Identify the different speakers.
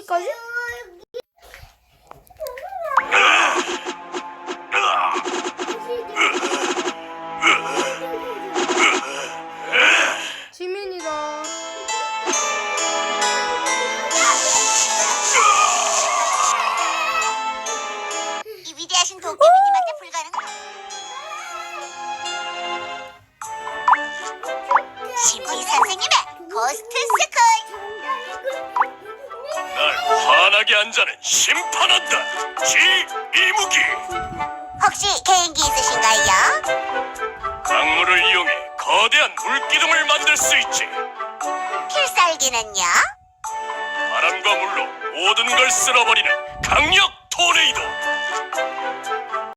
Speaker 1: 여기까지? 지민이다.
Speaker 2: 이 위대하신 도깨비님한테 불가능. 심리 선생님의 고스트 스쿨.
Speaker 3: 날 화나게 한 자는 심판한다. 이무기.
Speaker 2: 혹시 개인기 있으신가요?
Speaker 3: 강물을 이용해 거대한 물기둥을 만들 수 있지.
Speaker 2: 필살기는요?
Speaker 3: 바람과 물로 모든 걸 쓸어버리는 강력